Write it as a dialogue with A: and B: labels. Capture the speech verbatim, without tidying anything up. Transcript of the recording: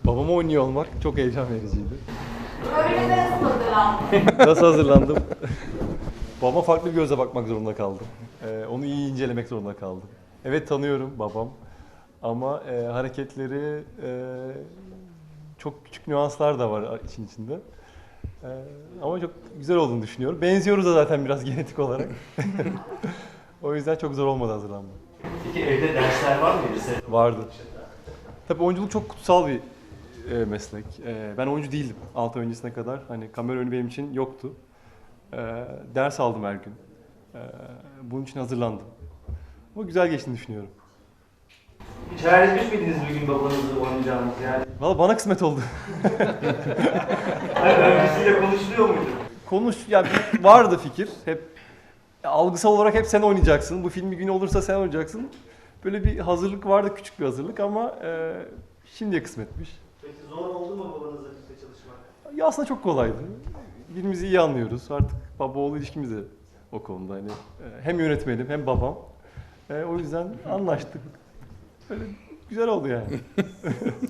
A: Babamı oynuyor olmak çok heyecan vericiydi.
B: Öyle nasıl hazırlandın?
A: Nasıl hazırlandım? Babama farklı bir gözle bakmak zorunda kaldım. Ee, onu iyi incelemek zorunda kaldım. Evet, tanıyorum babam. Ama e, hareketleri, e, çok küçük nüanslar da var işin içinde. E, ama çok güzel olduğunu düşünüyorum. Benziyoruz da zaten biraz genetik olarak. O yüzden çok zor olmadı hazırlanma.
C: Peki evde dersler var mıydı senin?
A: Vardı. Tabii oyunculuk çok kutsal bir e, meslek. E, ben oyuncu değildim altı ay öncesine kadar. Hani kamera önü benim için yoktu. E, ders aldım her gün. E, bunun için hazırlandım. Ama güzel geçtiğini düşünüyorum.
C: Hiç hayal etmiş miydiniz bir gün babanızı oynayacağınız yani?
A: Valla bana kısmet oldu.
C: Hayır, öncesiyle konuşuluyor muydu?
A: Konuş, ya bir- vardı fikir. Hep ya, algısal olarak hep sen oynayacaksın. Bu film bir gün olursa sen oynayacaksın. Böyle bir hazırlık vardı, küçük bir hazırlık ama e, şimdiye kısmetmiş.
C: Peki zor oldu mu babanızla birlikte çalışmak?
A: Ya aslında çok kolaydı. Birbirimizi iyi anlıyoruz. Artık baba oğul ilişkimiz de o konuda. Hani e, hem yönetmenim hem babam. E, o yüzden anlaştık. Böyle güzel oldu yani.